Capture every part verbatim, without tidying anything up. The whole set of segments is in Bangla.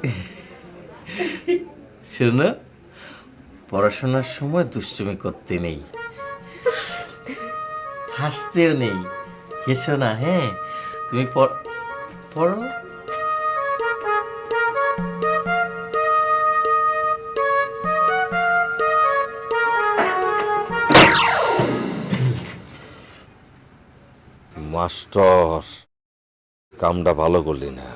শোনো, পড়াশোনার সময় দুষ্টুমি করতে নেই, হাসতেও নেই। হেসো না, হ্যাঁ? তুমি পড়ো। মাস্টার, কামটা ভালো করলি না।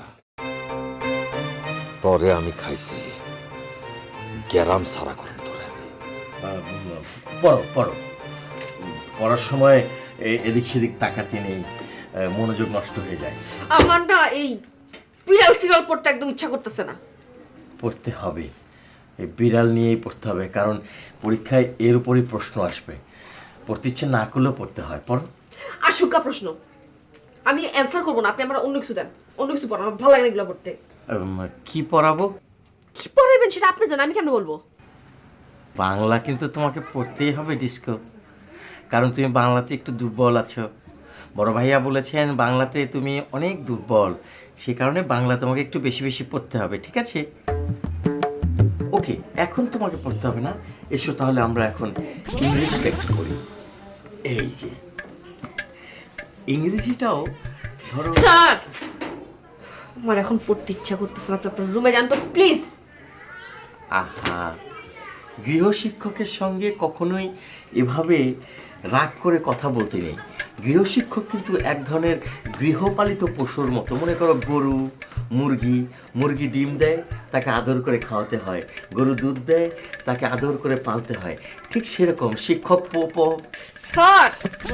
তরে আমি খাইছি, গ্যারাম সারা করুন তোরে আমি। পড়ো পড়ো, পড়ার সময় এদিক সেদিক তাকাতে নেই, মনোযোগ নষ্ট হয়ে যায়। আমার না এই বিড়াল সিরিয়াল পড়তে একদম ইচ্ছা করতেছে না। পড়তে হবে, এই বিড়াল নিয়েই পড়তে হবে, কারণ পরীক্ষায় এর উপরই প্রশ্ন আসবে। পড়তে ইচ্ছে না করলেও পড়তে হয়। পড়ো। আশুকা প্রশ্ন, আমি অ্যান্সার করবো না, আপনি আমার অন্য কিছু দেন, অন্য কিছু পড়ান, আমার ভালো লাগে না এগুলো পড়তে। কি পড়াবো? কি পড়াবেন সেটা আপনি জানেন, আমি কেন বলবো? বাংলা কিন্তু তোমাকে পড়তেই হবে ডিস্কো, কারণ তুমি বাংলাতে একটু দুর্বল আছো। বড় ভাইয়া বলেছেন বাংলাতে তুমি অনেক দুর্বল, সে কারণে বাংলা তোমাকে একটু বেশি বেশি পড়তে হবে, ঠিক আছে? ওকে, এখন তোমাকে পড়তে হবে না। এসো তাহলে আমরা এখন ইংরেজিটা একটু পড়ি। এই যে ইংরেজিটাও ধরো। স্যার, আমার এখন পড়তে ইচ্ছা করতেছে না, আপনি আপনার রুমে যান তো প্লিজ। আহা, গৃহশিক্ষকের সঙ্গে কখনোই এভাবে রাগ করে কথা বলতে নেই। গৃহশিক্ষক কিন্তু এক ধরনের গৃহপালিত পশুর মতো। মনে করো গরু, মুরগি, মুরগি ডিম দেয়, তাকে আদর করে খাওয়াতে হয়। গরু দুধ দেয়, তাকে আদর করে পালতে হয়। ঠিক সেরকম শিক্ষক পোপ। স্যার,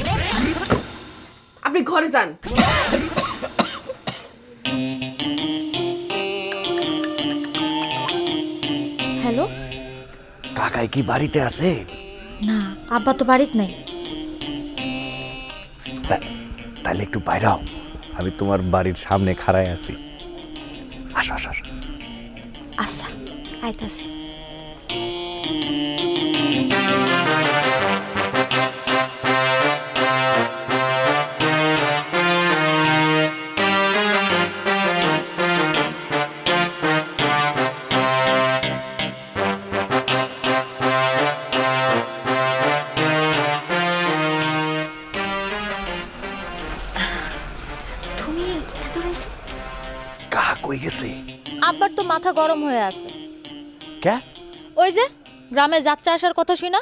আপনি ঘরে যান। হ্যালো, কাকাই কি বাড়িতে আছে? না, আব্বা তো বাড়িতে নাই। তাহলে একটু বাইরাও, আমি তোমার বাড়ির সামনে খাড়ায় আছি। আসো আসো আসো। আচ্ছা, আইতাছি। কই গেছে? আব্বার তো মাথা গরম হয়ে আছে। কে? ওই যে গ্রামে যাত্রা আসার কথা শুই না,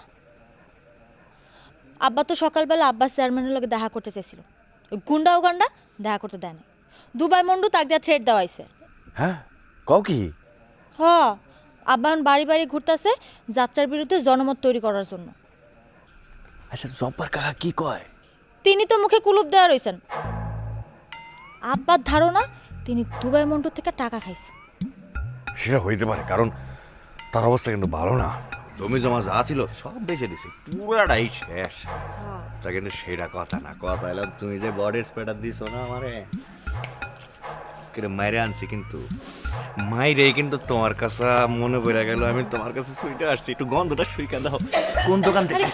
আব্বা তো সকালবেলা আব্বাস চেয়ারম্যানের লগে দেখা করতে চাইছিল, ওই গুন্ডা ও গান্ডা দেখা করতে দেয় না। দুবাই মন্ডু তাক দিয়া থ্রেট দেওয়াইছে। হ্যাঁ, কও কি? হ, আব্বা এখন বাড়ি বাড়ি ঘুরতেছে যাত্রার বিরুদ্ধে জনমত তৈরি করার জন্য। আচ্ছা, জব্বার কাকা কি কয়? তিনি তো মুখে কুলুপ দেওয়া রয়েছেন। আব্বার ধারণা তিনি দুবাই মন্ডু থেকে টাকা খাইছে। সেটা হইতে পারে, কারণ তার অবস্থা কিন্তু ভালো না। জমি জমা যা ছিল সব বেচে দিছে, পুরাটাই শেষ। তা কিন্তু সেটা কথা না, কথা এলাম তুমি যে বডি স্প্রেটার দিছো না আমারে, কিন্তু মাইরে আনছি, কিন্তু মাইরে কিন্তু তোমার কাছে মনে পড়ে গেল, আমি তোমার কাছে সুইটা আসছি, একটু গন্ধটা সুইকা দাও। কোন দোকান থেকে?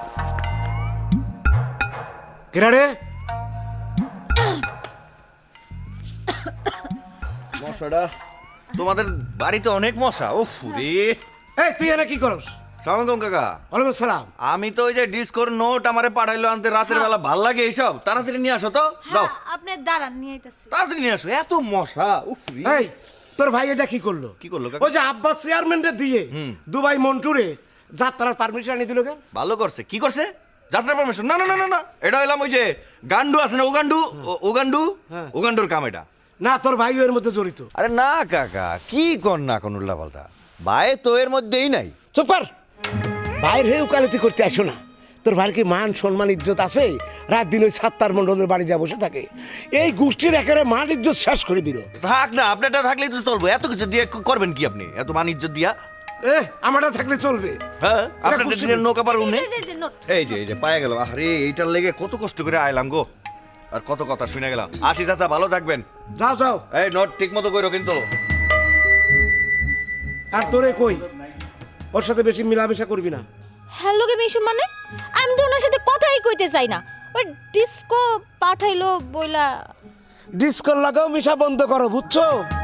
কিরারে মশাটা, তোমাদের বাড়িতে অনেক মশা। ওফ রে, এই তুই এনে কি করস? সালাম কাকা। ওয়ালাইকুম সালাম। আমি তো ওই যে ডিসকোর নোট আমারে পাঠাইলো আনতে, রাতের বেলা ভাল লাগে এইসব, তাড়াতাড়ি নিয়ে আসো তো। দাও, আপনি দাঁড়ান, নিয়ে আইতাছি। তাড়াতাড়ি নিয়ে আসো, এত মশা। উফ রে। এই তোর ভাই এটা কি করলো? কি করলো কাকা? ওই যে আব্বাস চেয়ারম্যানরে দিয়ে হুম। দুবাই মন্টুরে যাত্রার পারমিশন আনি দিল কেন? ভালো করছে। কি করছে? যাত্রা পারমিশন? না না না না না, এটা হইলাম ওই যে গান্ডু আছে না, ওগান্ডু, ওগান্ডু, হ্যাঁ। ওগান্ডুর কাম এটা। না, তোর ভাই এর মধ্যে জড়িত। আরে না কাকা, কি কর না কোন উল্টা পাল্টা, ভাই তো এর মধ্যেই নাই। চুপ কর, বাইরে উকালতি করতে আসো না। তোর ভাইয়ের কি মান সম্মান ইজ্জত আছে? রাত দিন ওই সাত্তার মন্ডলের বাড়ি যা বসে থাকে, এই গোষ্ঠীর একেবারে মান ইজ্জত শেষ করে দিল। থাক না, আপনারটা থাকলেই তো চলবো, এত কিছু দিয়ে করবেন কি আপনি, এত মান ইজ্জত দিয়া? এ আমারটা থাকলে চলবে? হ্যাঁ, আপনার গোষ্ঠী- দিনের নৌকা পার উনি। এই যে নোট। এই যে এই যে পায়ে গেল, আরে এইটার লেগে কত কষ্ট করে আইলাম গো, আর কত কথা শুনে গেলাম। আসি চাচা, ভালো থাকবেন। যাও যাও। এই নোট ঠিক মতো কইরো কিন্তু। আর তোরে কই, ওর সাথে বেশি মিলামেশা করবি না। হ্যালো কে মিশু, মানে আমি তো ওনার সাথে কথাই কইতে চাই না। ওই ডিস্কো পাঠাইলো বইলা। ডিসকোর লাগাও মিশা বন্ধ করো, বুঝছো?